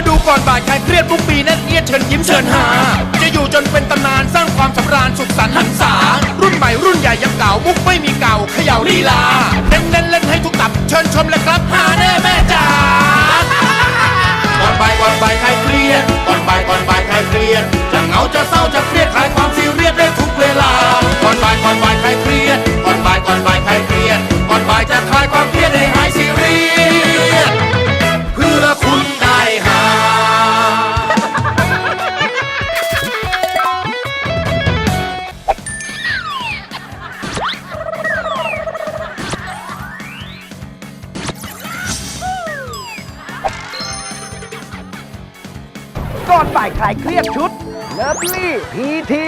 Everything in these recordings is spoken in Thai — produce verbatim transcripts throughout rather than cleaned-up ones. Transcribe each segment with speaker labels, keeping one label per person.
Speaker 1: ดูก่อนบ่ายใครเครียดทุกปีนั่นเอียดเชิญยิ้มเชิญหาจะอยู่จนเป็นตำนานสร้างความสำราญสุขสันต์หันษารุ่นใหม่รุ่นใหญ่ยังเก่ามุกไม่มีเก่าเขย่าลีลาเน้นเล่นเล่นให้ทุกตับเชิญชมเลยครับหาแน่แม่จ๋าก่อนบ่ายก่อนบ่ายใครเครียดก่อนบ่ายก่อนบ่ายใครเครียดจะเหงาจะเศร้าจะเครียดคลายความซีเรียสได้ทุกเวลาก่อนบ่ายก่อนบ่ายใครเครียดก่อนบ่ายก่อนบ่ายใครเครียดก่อนบ่ายจะคลายความเครียดให้หายซีเรียสเพื่อคุณได้หา
Speaker 2: ก่อนบ่ายคลายเครียดชุดเลิฟลี่พีที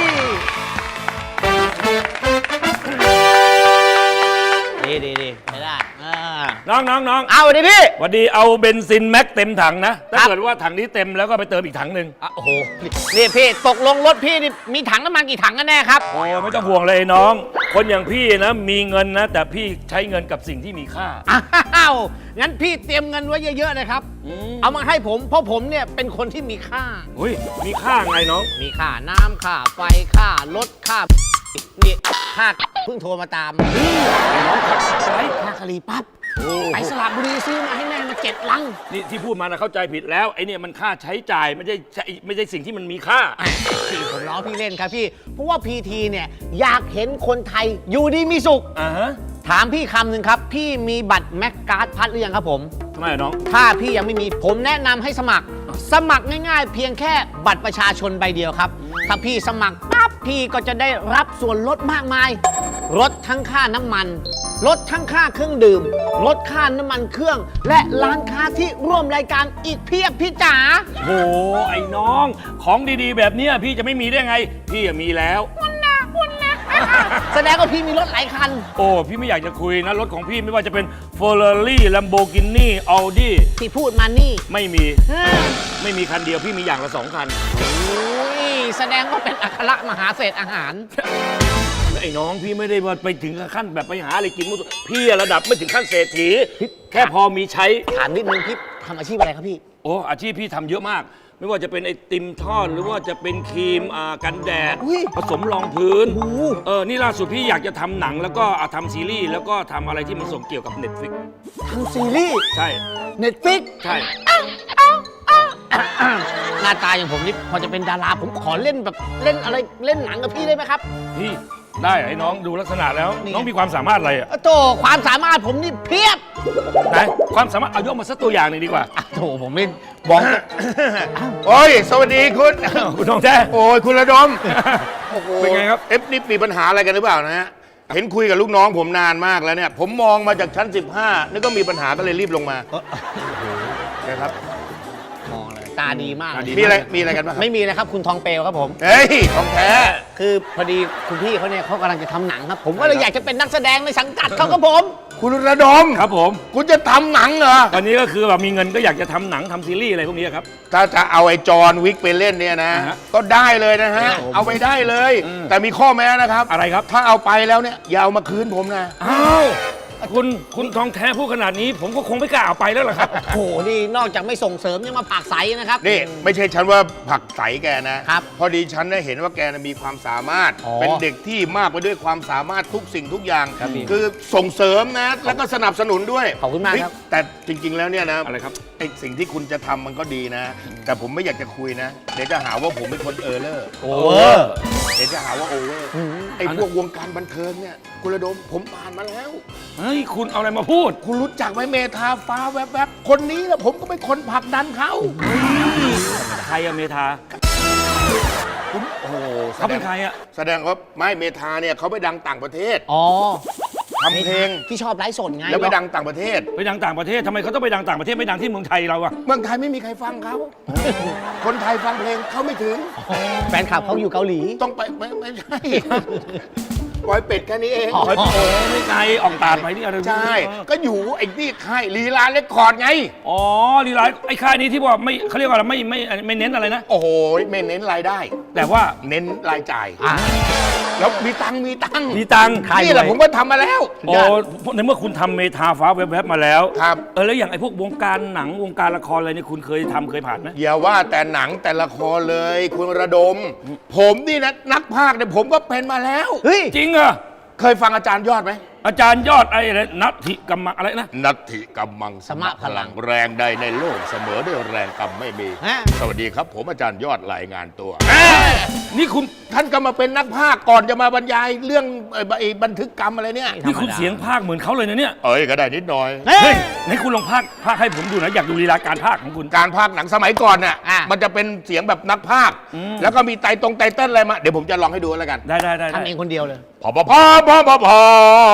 Speaker 2: ดีดีดีไม่ได้
Speaker 3: น้องน้องน้อง
Speaker 2: เอาวันนี้พี่
Speaker 3: วันดีเอาเบนซินแม็กเต็มถังนะถ้าเกิดว่าถังนี้เต็มแล้วก็ไปเติมอีกถังหนึ่ง
Speaker 2: โอ้โหนี่พี่ตกลงรถพี่นี่มีถังน้ำมันกี่ถังกันแน่ครับ
Speaker 3: โอ้ไม่ต้องห่วงเลยน้อง คนอย่างพี่นะมีเงินนะแต่พี่ใช้เงินกับสิ่งที่มีค่า
Speaker 2: อ้าวงั้นพี่เตรียมเงินไว้เยอะๆเลยครับเอามาให้ผมเพราะผมเนี่ยเป็นคนที่มีค่า
Speaker 3: อุ้ยมีค่าไงน้อง
Speaker 2: มีค่าน้ำค่าไฟค่ารถค่านี่ค่าเพิ่งโทรมาตามน้องขับไปค่าคลีปั๊บไปสระบุรีซื้อมาให้แม่มาเจ็ดลัง
Speaker 3: นี่ที่พูดมานะเข้าใจผิดแล้วไอ้นี่มันค่าใช้จ่ายไม่ใช่ไม่ใช่สิ่งที่มันมีค่า
Speaker 2: พี่ผมล้อพี่เล่นครับพี่เพราะว่าพีทีเนี่ยอยากเห็นคนไทยอยู่ดีมีสุข
Speaker 3: อ่าฮะ
Speaker 2: ถามพี่คำหนึ่งครับพี่มีบัตรแม็กการ์ดพัดหรือยังครับผม
Speaker 3: ทำไมน้อง
Speaker 2: ถ้าพี่ยังไม่มีผมแนะนำให้สมัครสมัครง่ายๆเพียงแค่บัตรประชาชนใบเดียวครับถ้าพี่สมัครปั๊บพี่ก็จะได้รับส่วนลดมากมายลดทั้งค่าน้ำมันลดทั้งค่าเครื่องดื่มลดค่าน้ำมันเครื่องและร้านค้าที่ร่วมรายการอีกเพียบพี่จ๋า
Speaker 3: โหไอ้น้องของดีๆแบบนี้พี่จะไม่มีได้ไงพี่มีแล้ว
Speaker 2: คุณนะคุณนะแสดงว่าพี่มีรถหลายคัน
Speaker 3: โอ้พี่ไม่อยากจะคุยนะรถของพี่ไม่ว่าจะเป็น Ferrari Lamborghini Audi
Speaker 2: ที่พูดมานี่
Speaker 3: ไม่มีไม่มีคันเดียวพี่มีอย่างละสองคัน
Speaker 2: โอ้ยแสดงว่าเป็นอัครมหาเศรษฐอาหาร
Speaker 3: ไอ้น้องพี่ไม่ได้ว่าไปถึงขั้นแบบไปหาอะไรกินมุสพี่ระดับไม่ถึงขั้นเศรษฐีแค่พอมีใช้
Speaker 2: ถามนิดนึงพี่ทำอาชีพอะไรครับพี่
Speaker 3: โอ้อาชีพพี่ทำเยอะมากไม่ว่าจะเป็นไอติมทอดหรือว่าจะเป็นครีมกันแดดผสมรองพื้นเออนี่ล่าสุดพี่อยากจะทำหนังแล้วก็ทำซีรีส์แล้วก็ทำอะไรที่มันส่งเกี่ยวกับ Netflix
Speaker 2: ทำซีรีส์
Speaker 3: ใช่
Speaker 2: Netflix
Speaker 3: ใช่
Speaker 2: หน้าตาอย่างผมนี่พอจะเป็นดาราผมขอเล่นแบบเล่นอะไรเล่นหนังกับพี่ได้ไหมครับ
Speaker 3: พี่ได้ไอ้น้องดูลักษณะแล้วน้องมีความสามารถอะไรอ่ะ
Speaker 2: โธ่ความสามารถผมนี่เพียบ
Speaker 3: ไหนความสามารถเอายกมาสักตัวอย่างหนึ่งดีกว่า
Speaker 2: โธ่ผมไม่บอก
Speaker 1: โอ้ยสวัสดีคุณ
Speaker 3: คุณทองแท้
Speaker 1: โอ้ยคุณระดม
Speaker 3: เป็นไงครับ
Speaker 1: เอฟนี่มีปัญหาอะไรกันหรือเปล่านะฮะเห็นคุยกับลูกน้องผมนานมากแล้วเนี่ยผมมองมาจากชั้นสิบห้านี่ก็มีปัญหาก็เลยรีบลงมานะครับ
Speaker 2: มองเลยตาดีมาก
Speaker 1: มีอะไรมีอะไรกันบ้าง
Speaker 2: ไม่มีนะครับคุณทองเปลวครับผม
Speaker 1: เฮ้ยทองแท้
Speaker 2: คือพอดีคุณพี่เขาเนี่ยเขากำลังจะทำหนังครับผมก็เลยอยากจะเป็นนักแสดงในสังกัดเขาครับผม
Speaker 1: คุณระดม
Speaker 3: ครับผม
Speaker 1: คุณจะทำหนังเหรอ
Speaker 3: วันนี้ก็คือแบบมีเงินก็อยากจะทำหนังทำซีรีส์อะไรพวกนี้ครับ
Speaker 1: ถ้าจะเอาไอ้จอห์นวิกไปเล่นเนี่ยนะก็ได้เลยนะฮะเอาไปได้เลยแต่มีข้อแม้นะครับ
Speaker 3: อะไรครับ
Speaker 1: ถ้าเอาไปแล้วเนี่ยอย่าเอามาคืนผมนะ
Speaker 3: อ้าวคุณคุณทองแท้พูดขนาดนี้ผมก็คงไม่กล้าเอาไปแล้วล่ะครับ
Speaker 2: โอ้โหนี่นอกจากไม่ส่งเสริมยังมาผลักไสนะครับ
Speaker 1: นี่ไม่ใช่ฉันว่าผลักไสแกนะครับพอดีฉันได้เห็นว่าแกมีความสามารถเป็นเด็กที่มากไปด้วยความสามารถทุกสิ่งทุกอย่างคือส่งเสริมนะแล้วก็สนับสนุนด้วย
Speaker 2: ขอบคุณมากครับ
Speaker 1: แต่จริงๆแล้วเนี่ยนะ
Speaker 3: อะไรครับ
Speaker 1: ไอสิ่งที่คุณจะทำมันก็ดีนะแต่ผมไม่อยากจะคุยนะเดี๋ยวจะหาว่าผมเป็นคนเออเลอร์
Speaker 2: โอเวอร์
Speaker 1: เดี๋ยวจะหาว่าโอเวอร์ไอพวกวงการบันเทิงเนี่ยคุณระดมผมผ่านมาแล้ว
Speaker 3: เฮ้ยคุณเอาอะไรมาพูด
Speaker 1: คุณรู้จักไหมเมธาฟ้าแวบๆคนนี้นะผมก็เป็นคนผลักดันเขา
Speaker 3: ใครอะเมธา
Speaker 1: คุณโอ้โห
Speaker 3: เขาเป็นใครอะ
Speaker 1: แสดงว่าไม่เมธาเนี่ยเขาไปดังต่างประเทศ
Speaker 2: อ๋อ
Speaker 1: ทำเพลง
Speaker 2: ที่ชอบไลฟ์สดไง
Speaker 1: แล้วไปดังต่างประเทศ
Speaker 3: ไปดังต่างประเทศทำไมเขาต้องไปดังต่างประเทศไม่ดังที่เมืองไทยเราอะ
Speaker 1: เมืองไทยไม่มีใครฟังเขาคนไทยฟังเพลงเขาไม่ถึง
Speaker 2: แฟนคลับเขาอยู่เกาหลี
Speaker 1: ต้องไปไม่ไม่ใช่ปล่อยเป็ดแค่นี้เอง
Speaker 3: โอ้ไม่ไกลออกตาดไปนี่อะไร
Speaker 1: ใช่ก็อยู่ไอ้นี่ค่ายลีลาเรคคอร์ดไง
Speaker 3: อ๋อลีลาไอ้ค่ายนี้ที่ว่าไม่เขาเรียกว่าอะไรไม่ไม่ไม่เน้นอะไรนะ
Speaker 1: โอ้โหไม่เน้นรายได้
Speaker 3: แต่ว่า
Speaker 1: เน้นรายจ่ายแล้วมีตังค์มีตังค์
Speaker 3: มีตังค์
Speaker 1: นี่แหละผมก็ทำมาแล้ว
Speaker 3: โอ้ในเมื่อคุณทำเมทาฟ้าแวบๆมาแล้ว
Speaker 1: ครับ
Speaker 3: เออแล้วอย่างไอ้พวกวงการหนังวงการละครอะไรเนี่ยคุณเคยทำเคยผ่านไหม
Speaker 1: อย่าว่าแต่หนังแต่ละครเลย คุณระดม ผมนี่นะนักพากย์เนี่ยผมก็เป็นมาแล้ว
Speaker 2: เฮ้ย
Speaker 3: จริงเหรอ
Speaker 1: เคยฟังอาจารย์ยอดไหม
Speaker 3: อาจารย์ยอดไอ้อะไรนัทธิกรรมะอะไรนะ
Speaker 1: นัตถิกำมังสมะพลังแรงใดในโลกเสมอด้วยแรงกรรมไม่มี
Speaker 2: ฮะ
Speaker 1: สวัสดีครับ ผมอาจารย์ยอดรายงานตัว
Speaker 3: นี่คุณ
Speaker 1: ท่านก็มาเป็นนักพากย์ก่อนจะมาบรรยายเรื่องเอ่อไอ้บันทึกกรรมอะไรเนี่ย
Speaker 3: นี่คุณเสียงภาคเหมือนเขาเลยนะเนี่ย
Speaker 1: เอ้ยก็ได้นิดหน่อย
Speaker 2: เฮ้
Speaker 3: เฮ้
Speaker 2: ย
Speaker 3: ยไหนคุณลองภาคภาคให้ผมดูหนะอยากดูลีลาการภาคของคุณ
Speaker 1: การพากย์หนังสมัยก่อนน่ะ
Speaker 2: อ่ะ
Speaker 1: มันจะเป็นเสียงแบบนักพากย์
Speaker 3: อืม
Speaker 1: แล้วก็มีไตตรงไตเติ้ลอะไรมาเดี๋ยวผมจะลองให้ดูแล้วกัน
Speaker 3: ได้ได้ได้ได้
Speaker 2: ทำเองคนเดียวเลย
Speaker 1: พอพอพอพอพอพอ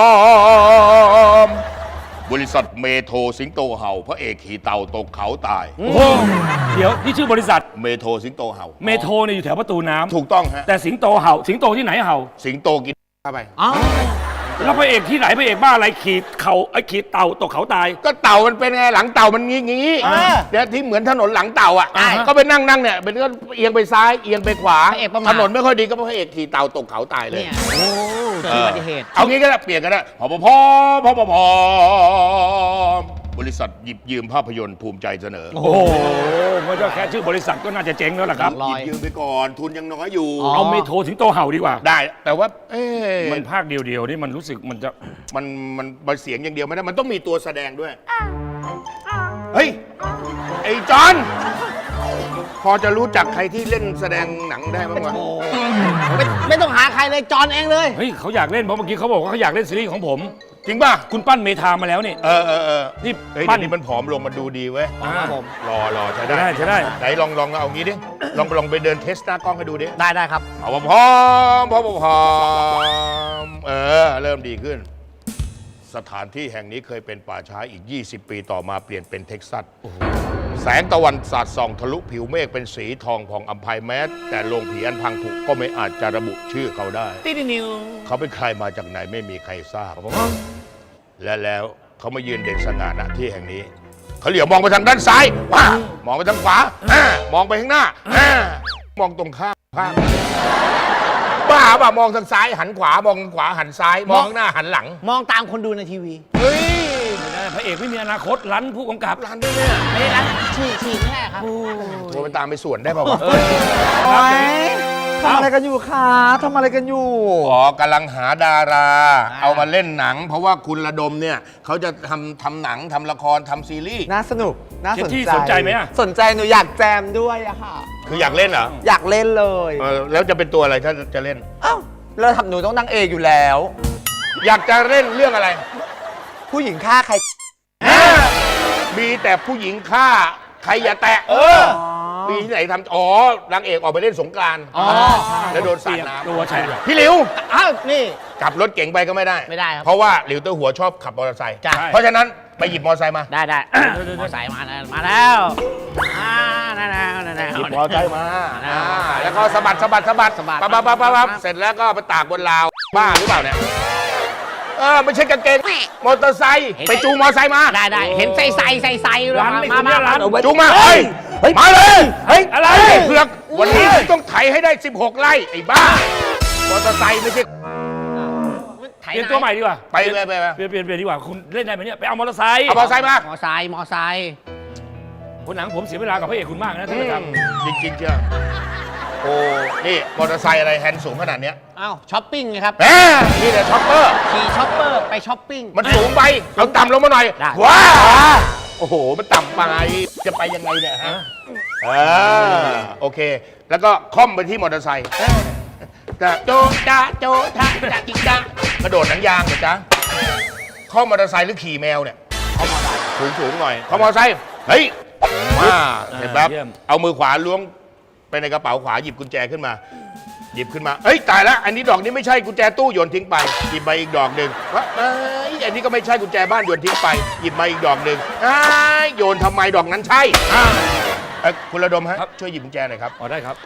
Speaker 1: บริษัทเมโทรสิงโตเห่าพระเอกขี่เต่าตกเขาตาย
Speaker 3: โอ้โหเดี๋ยวนี่ชื่อบริษัท
Speaker 1: เมโทรสิงโตเห่า
Speaker 3: เมโทรเนี่ยอยู่แถวประตูน้ำ
Speaker 1: ถูกต้องฮะ
Speaker 3: แต่สิงโตเห่า สิงโตที่ไหนเห่า
Speaker 1: สิงโตกินเข้าไป
Speaker 2: อ๋อ
Speaker 3: แล้วพระเอกที่ไหนพระเอกบ้าอะไรขีดเขาไอ้ขีดเต่าตกเขาตาย
Speaker 1: ก็เต่ามันเป็นไงหลังเต่ามันงี้งี้
Speaker 2: เออ
Speaker 1: เดี๋ยวที่เหมือนถนนหลังเต่าอ่ะ
Speaker 3: อ่าฮะ
Speaker 1: ก็ไปนั่งนั่งเนี่ยเป็นก็เอียงไปซ้ายเอียงไปขวา
Speaker 2: พระเอกประมาท
Speaker 1: ถนนไม่ค่อยดีก็พระเอกขี่เต่าตกเขาตายเลย
Speaker 2: เนี่ยโอ้เกิดอุบัติเหตุ
Speaker 1: เอางี้ก็ได้เปลี่ยนกันได้พอพอพอพอพอพอบริษัทหยิบยืมภาพยนตร์ภูมิใจเสนอ
Speaker 3: โอ้โหมันก็แค่ชื่อบริษัทก็น่าจะเจ๊งแล้วล่ะครับ
Speaker 2: ล
Speaker 1: ห
Speaker 2: อ
Speaker 1: ยิ
Speaker 2: ย
Speaker 1: บยืมไปก่อนทุนยังน้อยอยู่
Speaker 2: อ๋อ
Speaker 3: เอาเมโทรสิงโตเห่าดีกว่า
Speaker 1: ได้ แต่ว่า เอ๊ะ
Speaker 3: มันภาคเดียวๆนี่มันรู้สึกมันจะ
Speaker 1: มันมันมันเสียงอย่างเดียวไม่ได้มันต้องมีตัวแสดงด้วย เฮ้ย ไอ้จอนพอจะรู้จักใครที่เล่นแสดงหนังได้บ้างวะ
Speaker 2: ไม่ไม่ต้องหาใครเลยจอนเองเลย
Speaker 3: เฮ้ยเขาอยากเล่นเพราะเมื่อกี้เขาบอกว่าเขาอยากเล่นซีรีส์ของผม
Speaker 1: จริงป่ะ
Speaker 3: คุณปั้นเมทามาแล้วนี่
Speaker 1: เออเออเออ
Speaker 3: นี่
Speaker 1: เฮ้ย
Speaker 3: ปั้
Speaker 1: เดี๋ย
Speaker 3: น
Speaker 1: วนี้มันผอมลงมันดูดีเว้ย
Speaker 2: ครับผม
Speaker 1: รอรอใช้ได้
Speaker 3: ใช้ได้ใช้ได้
Speaker 1: ไหนลองลองเอางี้ดิ ลองลองไปเดินเทสหน้ากล้องให้ดูดิ
Speaker 2: ได้ได้ครับ
Speaker 1: เอาพร้อมพร้อมพร้อมเออ เริ่มดีขึ้น สถานที่แห่งนี้เคยเป็นป่าช้าอีก ยี่สิบ ปีต่อมาเปลี่ยนเป็นเท็กซัส แสงตะวันสาดส่องทะลุผิวเมฆเป็นสีทองผ่องอัมภัยแม้ แต่โรงผีอันพังผุก็ไม่อาจจะระบุชื่อเขาได้
Speaker 2: ติดนิว
Speaker 1: เขาเป็นใครมาจากไหนไม่มีใครทราบ และแล้วเขามายืนเด่นสง่าณที่แห่งนี้ เขาเหลียวมองไปทางด้านซ้ายว้ามองไปทางขวาอ่ามองไปข้างหน้าอ่ามองตรงข้ามข้างบ้าป่ะมองทางซ้ายหันขวามองทางขวาหันซ้าย มองข้างหน้าหันหลัง
Speaker 2: มองตามคนดูในทีวี
Speaker 1: เฮ้ย
Speaker 3: ไม่ได้พระเอกไม่มีอนาคตรันผู้กำกับ
Speaker 1: ร้านด้วยเนี่ย
Speaker 2: ไม่ได้รักฉี่ฉี่แน่ครับ
Speaker 1: โทรไปตามไปสวนได้ป่าวะ
Speaker 3: เออ
Speaker 4: โอ๊ยทำอะไรกันอยู่คะทำอะไรกันอยู่
Speaker 1: อ๋อกำลังหาดารา เอามาเล่นหนัง เพราะว่าคุณระดมเนี่ยเขาจะทำทำหนังทำละครทำซีรีส์
Speaker 4: น่าสนุก น่าสน
Speaker 3: ที่
Speaker 4: ใจ
Speaker 3: สนใจไหมอะ
Speaker 4: สนใจหนูอยากแจมด้วยอะค่ะ
Speaker 1: คืออยากเล่นเหรอ
Speaker 4: อยากเล่นเลย
Speaker 1: เออแล้วจะเป็นตัวอะไรถ้าจะเล่น
Speaker 4: เอ้าเราทำหนูต้องนางเอกอยู่แล้ว
Speaker 1: อยากจะเล่นเรื่องอะไร
Speaker 4: ผู้หญิงฆ่าใคร
Speaker 1: มีแต่ผู้หญิงฆ่าใครอย่าแตะ เออ มีที่ไหนทำอ๋อนางเอกออกไปเล่นสงกรานต์
Speaker 2: อ๋อ
Speaker 1: แล้วโดนสาดน้
Speaker 3: ตัวแฉะ
Speaker 1: ำพี่หลิว
Speaker 2: อ้าวนี่
Speaker 1: ขับรถเก๋งไปก็ไม่ได้
Speaker 2: ไม่ได้ครับ
Speaker 1: เพราะว่าหลิวเตอร์หัวชอบขับมอเตอร์ไซค์
Speaker 2: จ้ะ
Speaker 1: เพราะฉะนั้นไปหยิบมอเตอร์ไซค์มา
Speaker 2: ได้ได้มอไซค์มาแล้วมาแล้วอ่านั่นแล้วนั่นแล้ว
Speaker 1: หยิบมอเตอร์ไซค์มา
Speaker 2: อ่า
Speaker 1: อ่าแล้วก็สะบัดสะบัดสะบัด
Speaker 2: สะบัด
Speaker 1: ปั๊บปั๊บปั๊บปั๊บปั๊บ
Speaker 2: ปั๊บ
Speaker 1: เสร็จแล้วก็ไปตากบนราว บ้าหรือเปล่าเนี่ย เออไม่ใช่กางเกง มอเตอร์ไซค์ไปจูงมอเตอร์ไซค์มา
Speaker 2: ได้ได้เห็นใส่ใส่ใส่ใส่
Speaker 3: ร้านนี่
Speaker 2: มา
Speaker 3: คุณเนี่
Speaker 2: มาย
Speaker 3: ร้าน
Speaker 2: มา
Speaker 1: จูงมา เฮ้ย มาเลย
Speaker 4: เฮ้ย
Speaker 3: อะไร
Speaker 1: ไอ้เผือก วันนี้ต้องไถให้ได้ สิบหก ไร่ ไอ้บ้า มอเตอร์ไซค์ไม่ใช่
Speaker 2: ไถ
Speaker 3: เปลี่ยนตัวใหม่ดีกว่า
Speaker 1: ไปไปไปไป
Speaker 3: เปลี่ยนเปลี่ยนเปลี่ยนดีกว่าคุณเล่นได้ไหมเนี่ยไปเอามอเตอร์ไซค์
Speaker 1: เอามอเตอร์ไซค์มา
Speaker 2: มอไซค์มอไซค์
Speaker 3: คนหนังผมเสียเวลากับพระเอกคุณมากนะท่านผู้ชม
Speaker 1: จริงจริงๆเชียวโอ้ นี่มอเตอร์ไซค์อะไรแฮนด์สูงขนาดเนี้ย
Speaker 2: อ้าวช้อปปิ้งไงครับ
Speaker 1: แหมนี่แหละช็อปเปอร์
Speaker 2: ขี่ช้อปเปอร์ไปช้อปปิ้ง
Speaker 1: มันสูงไป เอาต่ำลงมาหน่อย
Speaker 2: ได้
Speaker 1: ว้าโอ้โห มันต่ำไป จะไปยังไงเนี่ยฮะอ่าโอเค แล้วก็ค่อมไปที่มอเตอร์ไซค์จะโจจ้าโจท่าจะจิกจ้ากระโดดหนังยางเหรอจ๊ะข้อมมอเตอร์ไซค์หรือขี่แมวเนี่ยข้อมอเตอร์ไซค์สูงสูงๆหน่อยข้อมมอเตอร์ไซค์เฮ้ยมาเห็นปั๊บเอามือขวาล้วงไปในกระเป๋าขวาหยิบกุญแจขึ้นมา หยิบขึ้นมาเอ้ยตายแล้วอันนี้ดอกนี้ไม่ใช่กุญแจตู้โยนทิ้งไปหยิบมาอีกดอกหนึ่งว่าเอ้ยอันนี้ก็ไม่ใช่กุญแจบ้านโยนทิ้งไปหยิบมาอีกดอกหนึ่งอ้ายโยนทำไมดอกนั้นใช่อ่าเอ้ยคุณระดมฮะช่วยหยิบกุญแจหน่อยครับ
Speaker 3: อ๋อได้ครับ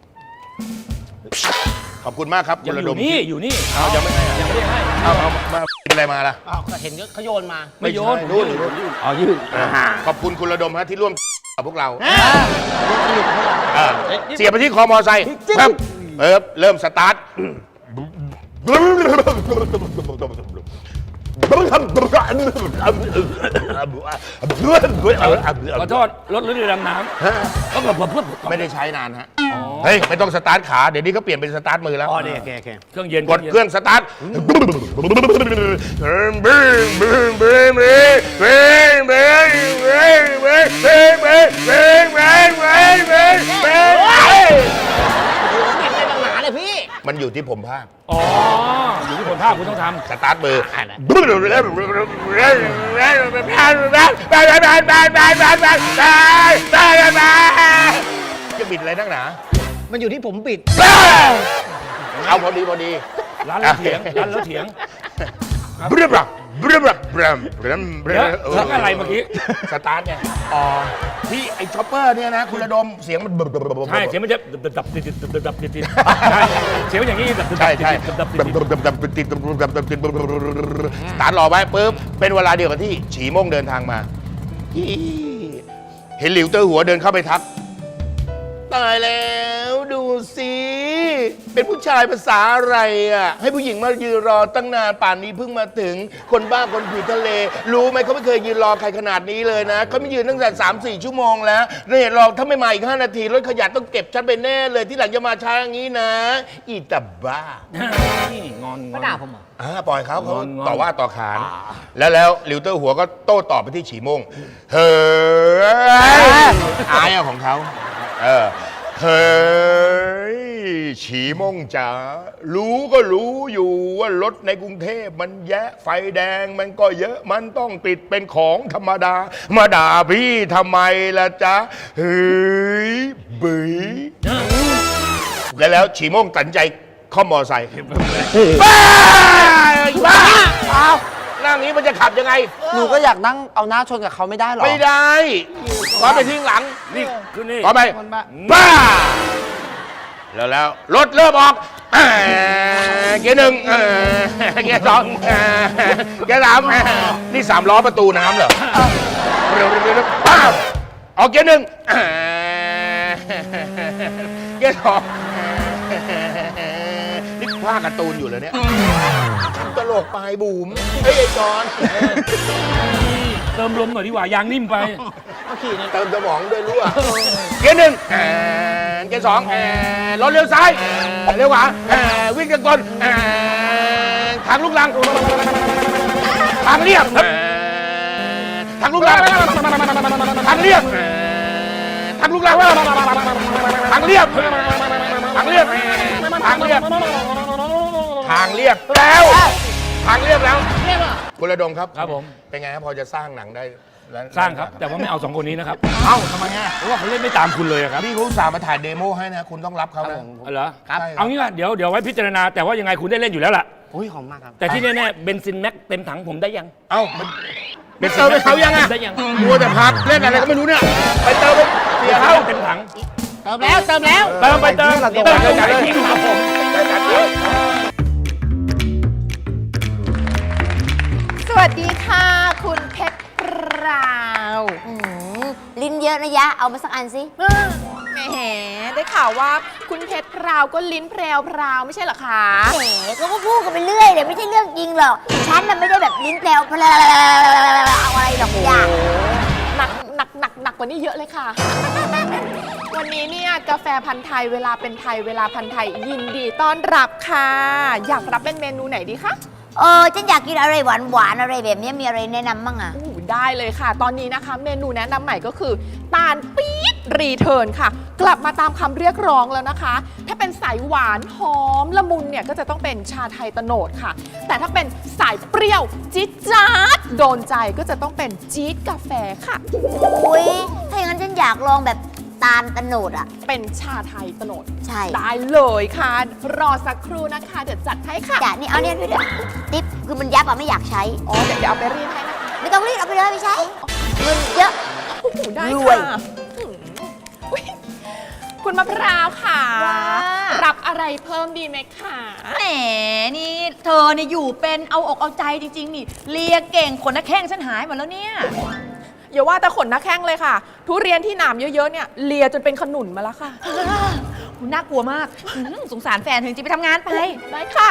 Speaker 1: ขอบคุณมากครับคุ
Speaker 3: ยั
Speaker 1: ณ
Speaker 3: ง
Speaker 1: ระ
Speaker 3: อ
Speaker 1: ด
Speaker 3: ยู่
Speaker 1: ม
Speaker 3: นี่อยู่นี่
Speaker 1: เอายังไม่ให้
Speaker 3: ยังไม่ได้ให้
Speaker 1: เอาเอามาเป็นอะไรมาล่ะ
Speaker 2: อ้าวก็เห็นเขาโยนมา
Speaker 3: ไม่โยน
Speaker 1: นู่น
Speaker 4: อ๋อยืด
Speaker 1: ขอบคุณคุณระดมฮะที่ร่วมกับพวกเรา
Speaker 2: อ่าสนุกเท่าไหร่
Speaker 1: อ่าเสียบไปที่คอมอไซค์ครับเออเริ่มสตาร์ท
Speaker 3: ขอโทษรถหรือเรือดำน้ำก็แบบเพื่อ
Speaker 1: ไม่ได้ใช้นานฮะเฮ้ยไม่ต้องสตาร์ทขาเดี๋ยวนี้เขาเปลี่ยนเป็นสตาร์ทมือแล้ว
Speaker 2: อ๋อนี่โอเคโอเค
Speaker 3: เครื่องเย็น
Speaker 1: กดเครื่องสตาร์ทมันอยู่ที่ผมภาค
Speaker 3: อ๋ออยู่ที่คนภาคคุณต้องทำ
Speaker 1: สตาร์ทมือจะบิดอะไรนักหนา
Speaker 2: มันอยู่ที่ผมปิด
Speaker 1: เอาพอดีพอดี
Speaker 3: ร้านแล้วเถียงร้านแล้วเถียง
Speaker 1: บรึบรึบรึบรึบรึบรึบรึ
Speaker 3: เดี๋ยวแล้วอะไรเมื่อกี้
Speaker 1: สตาร์ทไงอ๋อที่ไอ้ช็อปเปอร์เนี่ยนะคุณระดมเสียงมัน
Speaker 3: ใช่เสียงมันจะดับดับติดติดดับดับติดติดใช่เสียงมันอย่างนี้ดับดับ
Speaker 1: ใช่ใช่
Speaker 3: ดับดับติดติด
Speaker 1: สตาร์ทรอไว้ปุ๊บเป็นเวลาเดียวกับที่ฉีม่งเดินทางมาอีเห็นหลิวเตอร์หัวเดินเข้าไปทักตายแล้วดูสิเป็นผู้ชายภาษาอะไรอ่ะให้ผู้หญิงมายืนรอตั้งนานป่านนี้เพิ่งมาถึงคนบ้าคนผิวทะเล รู้ไหมเขาไม่เคยยืนรอใครขนาดนี้เลยนะเขาไม่ยืนตั้งแต่สามสี่ชั่วโมงแล้วเนี่ยรอถ้าไม่มาอีกห้านาทีรถขยะต้องเก็บฉันไปแน่เลยที่หลังจะมาช้าอย่างนี้นะ อีตาบ้า
Speaker 3: งอนง
Speaker 2: ก็
Speaker 3: อน
Speaker 2: ด่าผมเหรอ
Speaker 1: อ่าปล่อยเขาเขา
Speaker 3: งอนงอน
Speaker 1: ต่อว่าต่อขาน แล้วแล้วหลิวเตอร์หัวก็โต้ตอบไปที่ฉีม่งเฮ้ยอายอะของเขาเออเฮ้ยฉีม่งจ๋ารู้ก็รู้อยู่ว่ารถในกรุงเทพมันแยะไฟแดงมันก็เยอะมันต้องติดเป็นของธรรมดามาด่าพี่ทำไมล่ะจ๊ะเฮ้ยบีแล้วแล้วฉีม่งตัดใจข้อมมอไซค์บ้าบ้าเอานั่งนี้มันจะขับยังไง
Speaker 4: หนูก็อยากนั่งเอาหน้าชนกับเขาไม่ได้หรอ
Speaker 1: ไม่ได้ขอไปทิ้งหลัง
Speaker 3: นี่คือนี่
Speaker 1: ขอไป
Speaker 4: คนบ้า
Speaker 1: บ้า แล้วแล้วรถเริ่มออกเอ่อเกียร์หนึ่งเอ่อเกียร์สองเอ่อเกียร์สามเอ่อนี่สามล้อประตูน้ำเหรอเร็วเร็วเร็วเร็วป้าบออกเกียร์หนึ่งเอ่อเกียร์สองนี่ภาคการ์ตูนอยู่เลยเนี่ยตลกปลายบูมเฮ้ยไอ้จอน
Speaker 3: เติมลมหน่อยดีกว่ายางนิ่มไป
Speaker 1: เติมสมองด้วยรู้อ่ะเกียร์หนึ่งเอ่อเกียร์สองเอ่อรถเลี้ยวซ้ายเอ่อเลี้ยวขวาเอ่อวิ่งกันก่อนเอ่อทางลูกลังทางเรียบเอ่อทางลูกลังทางเรียบเอ่อทางลูกลังทางเรียบทางเรียบทางเรียบทางเรียบแล้วทางเรียบแล้วคุณระดมครับ
Speaker 3: ครับผม
Speaker 1: เป็นไงครับพอจะสร้างหนังได้แล้ว
Speaker 3: สร้างครับ แต่ว่าไม่เอาสองคนนี้นะครับ
Speaker 1: เอ้าทำไมอ่ะ
Speaker 3: เพราะว่าเขาเล่นไม่ตามคุณเลยอะครับ
Speaker 1: นี่เขาอุตส่าห์มาถ่ายเดโมให้นะ คุณต้องรับเขานะ
Speaker 3: เอาเหรอ
Speaker 1: ครับ
Speaker 3: เอางี้ว่าเดี๋ยวเดี๋ยวไว้พิจารณาแต่ว่ายังไงคุณได้เล่นอยู่แล้วล่ะ
Speaker 2: อุ้ยหอมมากครับ
Speaker 3: แต่ที่แน่ๆเบนซินแม็กเต็มถังผมได้ยัง
Speaker 1: เอ้ามันไปเติมให้เขายังอ่ะ
Speaker 3: ได้ยัง
Speaker 1: มัวแต่พักเล่นอะไรก็ไม่รู้เนี่ย ไปเติมให้เสียเขา
Speaker 3: เต็มถัง
Speaker 2: เติมแล้วเติมแล้ว
Speaker 3: เติมไปเติม
Speaker 4: ไปที่
Speaker 3: เติม
Speaker 4: เรา
Speaker 3: ไป
Speaker 4: เติม
Speaker 3: ที่ดูครับผม
Speaker 5: สวัสดีค่ะ คุณเพชรพราว
Speaker 6: อืมลิ้นเยอะนะยะ เอามาสักอันสิ
Speaker 5: แหมได้ข่าวว่าคุณเพชรพราวก็ลิ้นแพรวพราวไม่ใช่เหรอคะ
Speaker 6: แหมเขาก็พูดกันไปเรื่อยเดี๋ยวไม่ใช่เรื่องจริงหรอก ฉันน่ะไม่ได้แบบลิ้นแปลวเพลวเอาอะไรหรอกยะ
Speaker 5: หนักหนักหนักหนักกว่านี้เยอะเลยค่ะ วันนี้เนี่ยกาแฟพันธ์ไทยเวลาเป็นไทยเวลาพันธ์ไทยยินดีต้อนรับค่ะ อยากรับเป็นเมนูไหนดีคะ
Speaker 6: เออฉันอยากกินอะไรหวานหวานๆอะไรแบบนี้มีอะไรแนะนำบ้างอ่ะ
Speaker 5: อู้ได้เลยค่ะ ตอนนี้นะคะ เมนูแนะนำใหม่ก็คือตาลปี๊ดรีเทิร์นค่ะ กลับมาตามคำเรียกร้องแล้วนะคะ ถ้าเป็นสายหวานหอมละมุนเนี่ยก็จะต้องเป็นชาไทยโตโนดค่ะ แต่ถ้าเป็นสายเปรี้ยวจี๊ดจ๊าดโดนใจก็จะต้องเป็นจี๊ดกาแฟค่ะ
Speaker 6: อุ้ยถ้าอย่างนั้นฉันอยากลองแบบตาลตะโนดอ่ะ
Speaker 5: เป็นชาไทยโตโนด
Speaker 6: ใช่
Speaker 5: ได้เลยค่ะ รอสักครู่นะคะเดี๋ยวจัดให้ค่ะ
Speaker 6: จ้ะนี่เอาเนี่ยด้วยติ๊บคือมันยับอ่ะไม่อยากใช้
Speaker 5: อ๋อเดี๋ยวเดี๋ยวเอาไปรีดให้นะคะ
Speaker 6: ไม่ต้องรีบเอาไปเลยไม่ใช้ เงินเยอะ
Speaker 5: โอ้โหได้
Speaker 6: รวย
Speaker 5: ค่ะอืมอุ๊ยคุณมะพร้าวค่ะ
Speaker 7: ว่า
Speaker 5: รับอะไรเพิ่มดีไหมคะ
Speaker 7: แหมนี่เธอเนี่ยอยู่เป็นเอาอกเอาใจจริง ๆ นี่เลียเก่งขนนักแข้งฉันหายหมดแล้วเนี่ย
Speaker 5: อย่าว่าแต่ขนหน้าแข้งเลยค่ะ ทุเรียนที่หนามเยอะๆเนี่ยเลียจนเป็นขนุนมาแล้วค่ะ
Speaker 7: คุณน่ากลัวมากอื้อหือสงสารแฟนถึงจะไปทำงานไป
Speaker 5: ได้ค่ะ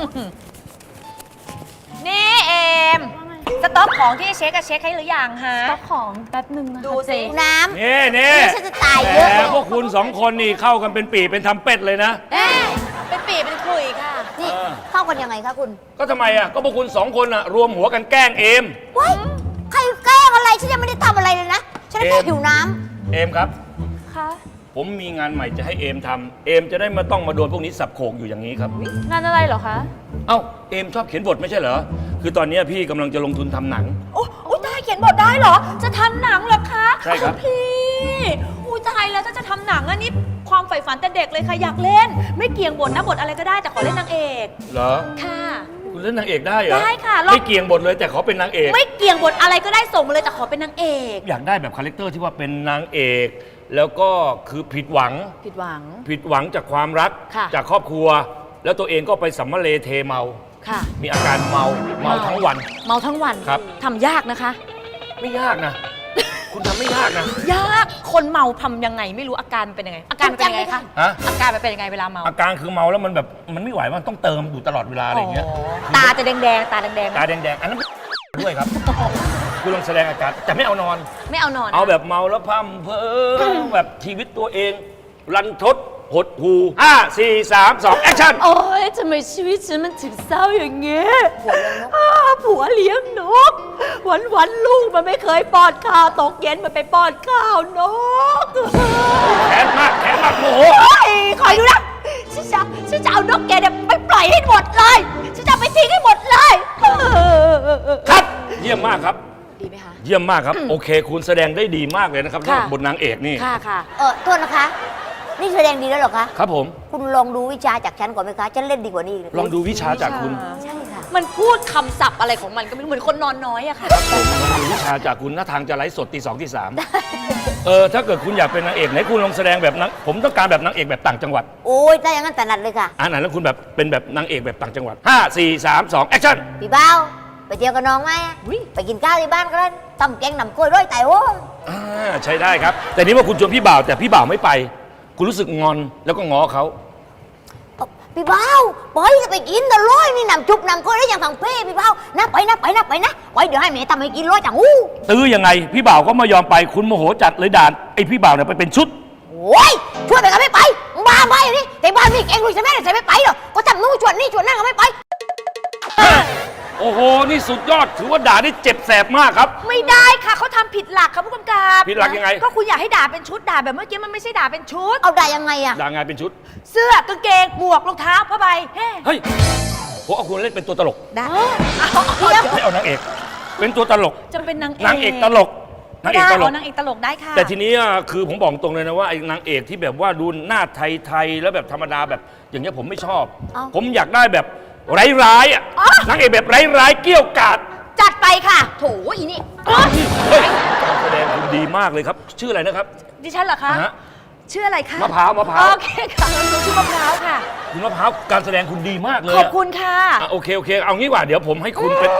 Speaker 7: นี่เอมสต็อกของที่เช็คอะเช็คให้หรือยังฮะ
Speaker 8: ก็ของแป๊บหนึ่งนะคะ
Speaker 7: ดูสิ
Speaker 8: เจ๊
Speaker 6: น้
Speaker 3: นี่นี่
Speaker 6: ำฉันจะตายเยอะ
Speaker 3: แต่พวกคุณสองคนนี่เข้ากันเป็นปีเป็นทำเป็ดเลยนะ
Speaker 7: เอ๊ะเป็นปีเป็นคุยค่ะ
Speaker 6: นี่
Speaker 3: เออ
Speaker 6: เข้ากันยังไงคะคุณ
Speaker 3: ก็ทำไมอ่ะก็พวกคุณสองคนอ่ะรวมหัวกันแกล้งเอม
Speaker 6: ว้ายใครแกล้งอะไร ฉันยังไม่ได้ทำอะไรเลยนะ ฉันแค่
Speaker 3: เอ็ม
Speaker 6: หิวน้
Speaker 3: เอมครับ
Speaker 8: ค่ะ
Speaker 3: ผมมีงานใหม่จะให้เอมทำเอมจะได้ไมาต้องมาโดนพวกนี้สับโขกอยู่อย่างนี้ครับ
Speaker 8: งานอะไรเหรอคะ
Speaker 3: เอ้าเอมชอบเขียนบทไม่ใช่เหรอคือตอนนี้พี่กำลังจะลงทุนทำหนัง
Speaker 7: โอ้โอ้ได้เขียนบทได้เหรอ จะทำหนังเหรอคะ
Speaker 3: ใช่ครับ
Speaker 7: พี่อุ้ยตายแล้วถ้าจะทำหนังอันนี้ความใฝ่ฝันแต่เด็กเลยค่ะอยากเล่น ไม่เกี่ยงบทนะบทอะไรก็ได้แต่ขอเล่นนางเอก
Speaker 3: เหรอ
Speaker 7: ค่ะ
Speaker 3: คุณเล่นนางเอกได้เหรอ
Speaker 7: ได้ค่ะลอง
Speaker 3: ไม่เกี่ยงบทเลยแต่ขอเป็นนางเอก
Speaker 7: ไม่เกี่ยงบทอะไรก็ได้ส่งมาเลยแต่ขอเป็นนางเอก
Speaker 3: อยากได้แบบคาแรคเตอร์ที่ว่าเป็นนางเอก แล้วก็คือผิดหวัง
Speaker 7: ผิดหวัง
Speaker 3: ผิดหวังจากความรัก
Speaker 7: ค่ะ
Speaker 3: จากครอบครัว แล้วตัวเองก็ไปสัมมาเลเทเมา
Speaker 7: ค่ะ
Speaker 3: มีอาการเมาเมาทั้งวัน
Speaker 7: เมาทั้งวัน
Speaker 3: ครับ
Speaker 7: ทำยากนะคะ
Speaker 3: ไม่ยากนะ คุณทำไม่ยากนะ
Speaker 7: ยากคนเมาทำยังไงไม่รู้อาการมันเป็นยังไง อาการมันเป็นยังไงคะ
Speaker 3: ฮะ
Speaker 7: อาการมันเป็นยังไงเวลาเมา
Speaker 3: อาการคือเมาแล้วมันแบบมันไม่ไหวมันต้องเติมอยู่ตลอดเวลาอะไรอย่างเงี้ย
Speaker 7: ตาจะแดงๆตาแดงๆไหม
Speaker 3: ตาแดงๆอันนั้นด้วยครับ คุณลองแสดงอาการแต่ไม่เอานอน
Speaker 7: ไม่เอานอน
Speaker 3: เอาแบบเมาแล้วพร่ำเพ้อแบบชีวิตตัวเอง รันทดหดหูห้าสี่สามสองแอคชั่น
Speaker 8: โอ๊ยทำไมชีวิตฉันมันถึงเศร้าอย่างเงี้ยอ้าผัวเลี้ยงนก วันวันๆลูกมันไม่เคยป้อนข้าวตกเย็นมันไปป้อนข้าวนก
Speaker 3: แขนมากแขนมากโมโห
Speaker 8: เฮ้ยคอยดูนะฉันจะฉันจะเอานกแกเนี่ยไปปล่อยให้หมดเลย ฉันจะเอาไปทิ้งให้หมดเลย
Speaker 3: ครับ เยี่ยมมากครับ
Speaker 7: ดีไหมคะ
Speaker 3: เยี่ยมมากครับ โอเค คุณแสดงได้ดีมากเลยนะครับ
Speaker 7: ค่ะ
Speaker 3: บทนางเอกนี่
Speaker 7: ค่ะค่ะ
Speaker 6: ำเออโทษนะคะ นี่แสดงดีแล้วเหรอคะ
Speaker 3: ครับผม
Speaker 6: คุณลองดูวิชาจากฉันก่อนไหมคะ ฉันเล่นดีกว่านี้ก
Speaker 3: ลองดูวิชาจากคุณ
Speaker 6: ใช่ค่ะ
Speaker 7: มันพูดคำศัพท์อะไรของมันก็ไม่รู้เหมือนคนนอนน้อยอะค่ะ
Speaker 3: ผมลองดูวิชาจากคุณหน้าทางจะไลฟ์สดตีสองตีสามเออถ้าเกิดคุณอยากเป็นนางเอกไหนคุณลองแสดงแบบนางผมต้องการแบบนางเอกแบบต่างจังหวัด
Speaker 6: โอ้ยถ้าอย่างนั้นถนัดเลยค่ะ
Speaker 3: อ่าไหนแล้วคุณแบบเป็นแบบนางเอกแบบต่างจังหวัดห้าสี่สามสองแอคชั่น
Speaker 6: พี่เบ้าไปเที่ยวกับน้องไหมไปกินข้าวที่บ้านก็ได้ต้มแกงหนำกล้วยร้อยแต่โอ้ย
Speaker 3: อ่าใช้ได้ครับ แต่นี่ว่าคุณชวนพี่บ่าวแต่พี่บ่าวไม่ไป คุณรู้สึกงอนแล้วก็ง้อเขา
Speaker 6: พี่เบ้าไปจะไปกินแต่ร้อยนี่หนำจุบหนำกล้วยได้อย่างฝั่งเป้พี่เบ้านะไปนะไปนะไปนะไปเดี๋ยวให้แม่ทำให้กินร้อยจังอู้
Speaker 3: ตื้อยังไง พี่บ่าวก็ไม่ยอมไปคุณโมโหจัดเลยด่านไอพี่บ่าวเนี่ยไปเป็นชุด
Speaker 6: โอ้ยช่วยไปก็ไม่ไปบ้าไปอยู่นี่แต่บ้านมีเองลุยใช่ไหมใช่ไม่ไปหรอกก็ทำนู่นชวนนี่ชวนนั่นก็ไม่ไป
Speaker 3: โอ้โห นี่สุดยอด ถือว่าด่าได้เจ็บแสบมากครับ
Speaker 7: ไม่ได้ค่ะเขาทำผิดหลักค่ะผู้กำกับ
Speaker 3: ผิดหลักยังไง
Speaker 7: ก็คุณอยากให้ด่าเป็นชุดด่าแบบเมื่อกี้มันไม่ใช่ด่าเป็นชุด
Speaker 6: เอาได้ยังไงอะ
Speaker 3: ด่างานเป็นชุด
Speaker 7: เสื้อกางเกงหมวกรองเท้าผ้าใบแฮ่
Speaker 3: เฮ้ยผมเอาคุณเล่นเป็นตัวตลก
Speaker 7: ได้
Speaker 3: ไม่เอานางเอก เป็นตัวตลก
Speaker 7: จะเป็นนางเอก
Speaker 3: นางเอกตลก นางเอก
Speaker 7: ได้
Speaker 3: ตลก
Speaker 7: นางเอกตลกได้ค่ะ
Speaker 3: แต่ทีนี้อ่ะคือผมบอกตรงเลยนะว่าไอ้นางเอกที่แบบว่าดูหน้าไทยๆแล้วแบบธรรมดาแบบอย่างเงี้ยผมไม่ชอบ ผมอยากได้แบบร้ายๆอ่ะ นางเอกแบบร้ายๆเกี้ยวกาด
Speaker 7: จัดไปค่ะ โถอีนี่
Speaker 3: เฮ้ยการแสดงคุณดีมากเลยครับ ชื่ออะไรนะครับ
Speaker 7: ดิฉันเหรอคะ
Speaker 3: ฮะ
Speaker 7: ชื่ออะไรคะ
Speaker 3: มะพร้าวมะพร้าว
Speaker 7: โอเคค่ะชื่อมะพร้าวค่ะ
Speaker 3: คุณมะพร้าวการแสดงคุณดีมากเลย
Speaker 7: ขอบคุณค่ะ
Speaker 3: อ่ะโอเคโอเค เอางี้ดีกว่าเดี๋ยวผมให้คุณเป็น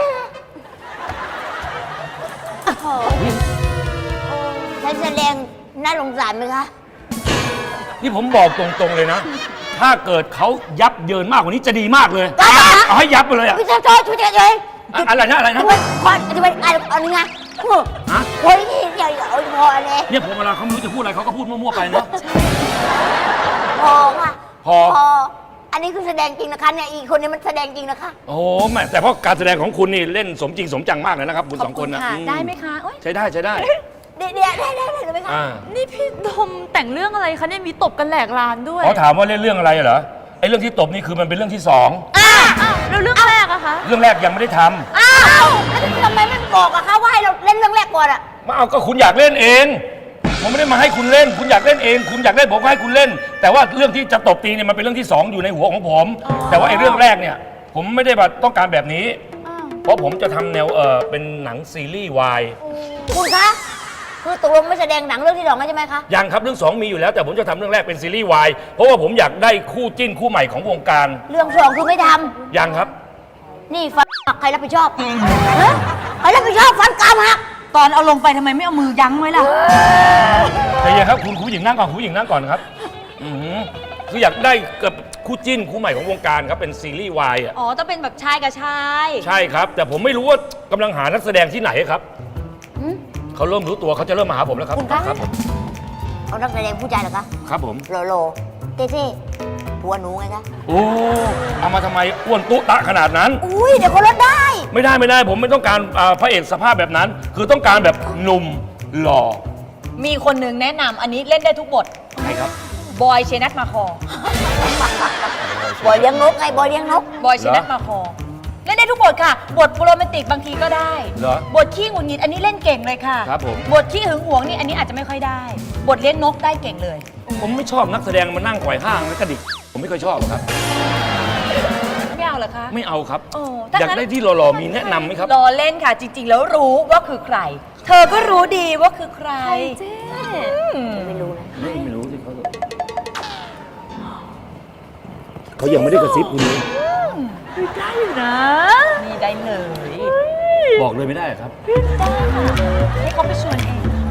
Speaker 6: ฉันแสดงน่าสงสารไหมคะ
Speaker 3: นี่ผมบอกตรงๆเลยนะ ถ้าเกิดเขายับเยินมากกว่านี้จะดีมากเลย
Speaker 6: ได้ค่ะ
Speaker 3: เอาให้ยับไปเลยอ่ะ
Speaker 6: พี่ช่วยช่วยช่วยช่วยช่วย
Speaker 3: อะอะไรนะอะไรนะ
Speaker 6: ช่วยก่อนจะไปอ่านเอาหนึ่งไง
Speaker 3: ฮะ
Speaker 6: โอ้ยนี่เดี๋ยวเอาพอเลย
Speaker 3: เนี่ยผมเวลาเขาไม่รู้จะพูดอะไรเขาก็พูดมั่วๆไปเนาะ
Speaker 6: พอค่ะ
Speaker 3: พอ
Speaker 6: พอ อันนี้คือแสดงจริงนะคะเนี่ยอีกคนนี้มันแสดงจริงนะคะ
Speaker 3: โอ้โหแม่แต่เพราะการแสดงของคุณนี่เล่นสมจริงสมจังมากเลยนะครับคุณสองคนนะ
Speaker 7: ค่ะ
Speaker 3: อืม
Speaker 7: ได้ไหมคะโอ๊ย
Speaker 3: ใช้ได้ใช้ได้
Speaker 6: เดี๋ยวเดี๋ยวได้ได้ได้เลยไหมคะ
Speaker 3: อ่า
Speaker 8: นี่พี่ดมแต่งเรื่องอะไรคะเนี่ยมีตบกันแหลกลานด้วย
Speaker 3: เขาถามว่าเล่นเรื่องอะไรเหรอไอ้เรื่องที่ตบนี่คือมันเป็นเรื่องที่สอง
Speaker 8: อ้าวแล้วเรื่องแรกอะคะ
Speaker 3: เรื่องแรกยังไม่ได้ทำ
Speaker 6: อ้าวแล้วทำไมไม่บอกอะคะว่าให้เราเล่นเรื่องแรกก่อนอะ
Speaker 3: มาเอาก็คุณอยากเล่นเอง ผมไม่ได้มาให้คุณเล่น คุณอยากเล่นเอง คุณอยากเล่นผมก็ให้คุณเล่น แต่ว่าเรื่องที่จะตบตีเนี่ยมันเป็นเรื่องที่สองอยู่ในหัวของผม แต่ว่าไอ้เรื่องแรกเนี่ย ผมไม่ได้แบบต้องการแบบนี้ เพราะผมจะทำแนวเออเป็นหนังซีรีส์วาย
Speaker 6: คุณคะคือตกลงไม่แสดงหนังเรื่องที่สองแล้วใช่ไหมคะ
Speaker 3: ยังครับเรื่องสองมีอยู่แล้วแต่ผมจะทำเรื่องแรกเป็นซีรีส์วายเพราะว่าผมอยากได้คู่จิ้นคู่ใหม่ของวงการ
Speaker 6: เรื่องสองคือไม่ท
Speaker 3: ยังครับ
Speaker 6: ำนี่ฟันหักใครรับผิดชอบฮะใครรับผิดชอบฟันกรามหัก
Speaker 7: ตอนเอาลงไปทำไมไม่เอามือยั้งไว้ล่ะ
Speaker 3: แต่ยังครับคุณผู้หญิงนั่งก่อนคุณผู้หญิงนั่งก่อนครับอือหือคืออยากได้กับคู่จิ้นคู่ใหม่ของวงการครับเป็นซีรีส์วายอ่ะ
Speaker 7: อ๋อ ต้องเป็นแบบชายกับชาย
Speaker 3: ใช่ครับ แต่ผมไม่รู้ว่ากำลังหานักแสดงที่ไหนครับเขาเริ่มรู้ตัวเขาจะเริ่มมาหาผมแล้วครับ
Speaker 6: คุณคะ
Speaker 3: ครับผม
Speaker 6: เอานักแสดงผู้ชายเหรอคะ
Speaker 3: ครับผม
Speaker 6: โลโลเท่ๆผัวหนูไงคะ
Speaker 3: โอ้เอามาทำไมอ้วนตุ๊ตะขนาดนั้น
Speaker 6: อุ้ยเดี๋ยวเขาลดได้
Speaker 3: ไม่ได้ไม่ได้ผมไม่ต้องการอ่าพระเอกสภาพแบบนั้น คือต้องการแบบหนุ่มหล่อ
Speaker 7: มีคนหนึ่งแนะนำอันนี้เล่นได้ทุกบท
Speaker 3: ใครครับ
Speaker 7: บอยเชนัทมาคอ
Speaker 6: บอยเลี้ยงนกไงบอยเลี้ยงนก
Speaker 7: บอยเชนัทมาคอ เล่นได้ทุกบทค่ะ บทโรแมนติกบางทีก็ได้
Speaker 3: เหรอ
Speaker 7: บทขี้หงุดหงิดอันนี้เล่นเก่งเลยค่ะ
Speaker 3: ครับผม
Speaker 7: บทขี้หึงหวงนี่อันนี้อาจจะไม่ค่อยได้ บทเลี้ยงนกได้เก่งเลย
Speaker 3: ผมไม่ชอบนักแสดงมานั่งไขว่ห้างแล้วกระดิกผมไม่ค่อยชอบครับ
Speaker 7: ไม่เอาเหรอคะ
Speaker 3: ไม่เอาครับ
Speaker 7: โอ้ถ้า
Speaker 3: อยาก
Speaker 7: งั้น
Speaker 3: ได้ที่หล่อๆมีแนะนำไหมครับ
Speaker 7: รอเล่นค่ะ จริง ๆ แล้วรู้ว่าคือใคร เธอก็รู้ดีว่าคือใครอืม
Speaker 6: ไม่รู้นะ
Speaker 3: ไม่ไม่รู้ที่เขาเขายังไม่ได้กระซิบคุณนี้
Speaker 8: ได้อยู่นะ
Speaker 7: นี่ได้เลย
Speaker 3: บอกเลยไม่ได้ครับ
Speaker 7: ให้เขาไปชวนเอง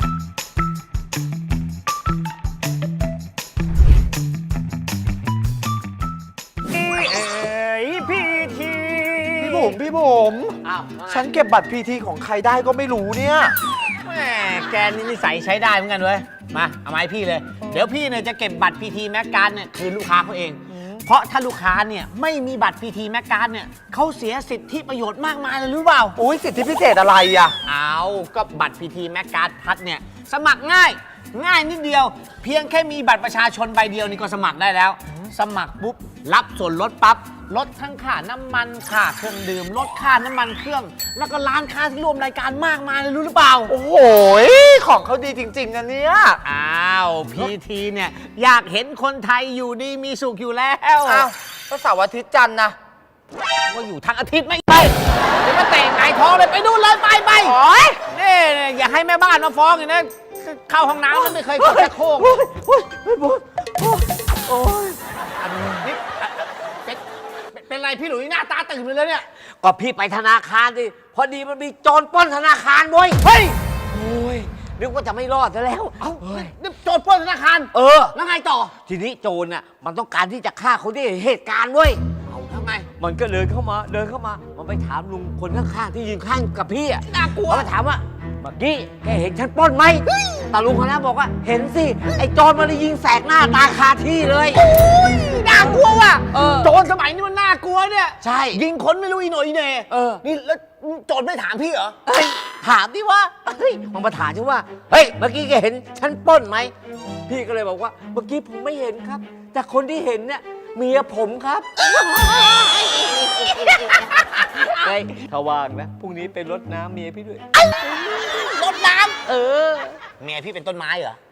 Speaker 4: พี่บุ๋มพี่บุ๋ม
Speaker 2: อ้าว
Speaker 4: ฉันเก็บบัตรพีทีของใครได้ก็ไม่รู้เนี่ย
Speaker 2: แหมแกนี่นิสัยใช้ได้เหมือนกันเว้ย มาเอาไมาให้พี่เลย เดี๋ยวพี่เนี่ยจะเก็บบัตรพีทีแม็กการ์ดเนี่ยคืนลูกค้าเขาเอง เพราะถ้าลูกค้าเนี่ยไม่มีบัตรพีทีแม็กการ์ดเนี่ยเขาเสียสิทธิประโยชน์มากมายเลยรู้เปล่า
Speaker 4: อุ้ยสิทธิพิเศษอะไรอ่ะ
Speaker 2: เอาก็บัตรพีทีแม็กการ์ดพัดเนี่ยสมัครง่าย ง่ายนิดเดียว เพียงแค่มีบัตรประชาชนใบเดียวนี่ก็สมัครได้แล้ว สมัครปุ๊บรับส่วนลดปั๊บลดทั้งค่าน้ำมันค่าเครื่องดื่มลดค่าน้ำมันเครื่อง แล้วก็ร้านค้าที่ร่วมรายการมากมายเลยรู้หรือเปล่า
Speaker 4: โอ้โหของเขาดีจริงๆนะเนี่ย
Speaker 2: อ้าวพีทีเนี่ยอยากเห็นคนไทยอยู่ดีมีสุขอยู่แล้ว
Speaker 4: อ้าวก็เสาร์อาทิตย์จันทร์นะ
Speaker 2: ก็อยู่ทั้งอาทิตย์ไม่ไปเดี๋ยวมาเตะไงท้องเลยไปนู่นเลยไปไปโอ้ยนี่อย่าให้แม่บ้านมาฟ้องอย่างนี้เข้าห้องน้ำแล้วไม่เคยกดชักโครก
Speaker 4: โอ้ยโอ้ยไม่บุ๋มโอ้ย
Speaker 2: นี่เป็นเป็นไรพี่หลุยหน้าตาตื่นเลยเนี่ย
Speaker 9: ก็พี่ไปธนาคารดิพอดีมันมีโจรปล้นธนาคารเว้ย
Speaker 2: เฮ้ย
Speaker 9: โอ้ยนึกว่าจะไม่รอดซะแล้ว
Speaker 2: เอ้านี่โจรปล้นธนาคาร
Speaker 9: เออ
Speaker 2: แล้วไงต่อ
Speaker 9: ทีนี้โจรน่ะมันต้องการที่จะฆ่าคนที่เห็นเหตุการณ์เว้ย
Speaker 2: เอาทำไง
Speaker 9: มันก็เดินเข้ามาเดินเข้ามา มันไปถามลุงคนข้างๆที่ยืนข้างกับพี่อ่ะ
Speaker 2: น่ากลัว
Speaker 9: มันก็ถามว่าเมื่อกี้แกเห็นฉันปล้นไหมแต่ลุงคนนั้นบอกว่าเห็นสิไอ้โจรมันเลยยิงแสกหน้าตาคาที่เลย
Speaker 2: น่ากลัวว่ะ
Speaker 9: เออ
Speaker 2: โจรสมัยนี้มันน่ากลัวเนี่ย
Speaker 9: ใช่
Speaker 2: ยิงคนไม่รู้อีโหนอีเหน่
Speaker 9: เออ
Speaker 2: นี่แล้วโจรไม่ถามพี่เหรอ
Speaker 9: เฮ้ยถามดิว่าเฮ้ยมันมาถามฉันว่าเฮ้ยเมื่อกี้แกเห็นฉันปล้นไหมพี่ก็เลยบอกว่าเมื่อกี้ผมไม่เห็นครับ แต่คนที่เห็นเนี่ยเมียผมครับเฮ้ยถ้าว่างนะพรุ่งนี้ไปรดน้ำเมียพี่ด้วย
Speaker 2: รดน้
Speaker 9: เออ
Speaker 2: ำเมียพี่เป็นต้นไม้เหรอ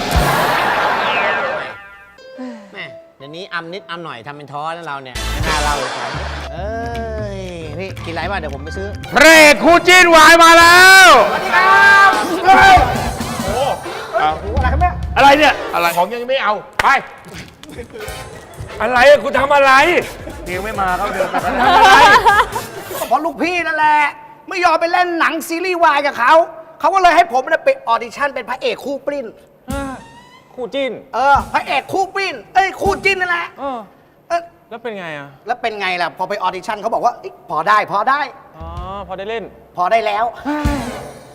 Speaker 2: แม่เดี๋ยวนี้อำนิดอำหน่อยทำเป็นท้อนะเราเนี่ยไม่น่าเล่าเลยครับเอ้ยพี่กินอะไรบ้างเดี๋ยวผมไปซื้อ
Speaker 1: พระเอกคู่จิ้นวายมาแล้วสวัสดีครับโอ้อะไรครับแม่อะไรเนี่ยอะไรของยังไม่เอาไปอะไรอะคุณทำอะไรเดี๋ยวไม่มาเขาเดินไปทำอะไร
Speaker 10: เพราะลูกพี่นั่นแหละ ไม่ยอมไปเล่นหนังซีรีส์วายกับเขาเขาก็เลยให้ผมเนี่ยไปออดิชั่นเป็นพระเอกคู่ปริ้น
Speaker 4: คู่จิ้น
Speaker 10: เออพระเอกคู่ปริ้นเอ้ยคู่จิ้นนั่นแหละ
Speaker 4: เออ
Speaker 10: เอ้ย
Speaker 4: แล้วเป็นไงอ่ะ
Speaker 10: แล้วเป็นไงล่ะพอไปออดิชั่นเขาบอกว่าเอ้ยพอได้พอได้
Speaker 4: อ๋อ พอได้เล่น
Speaker 10: พอได้แล้ว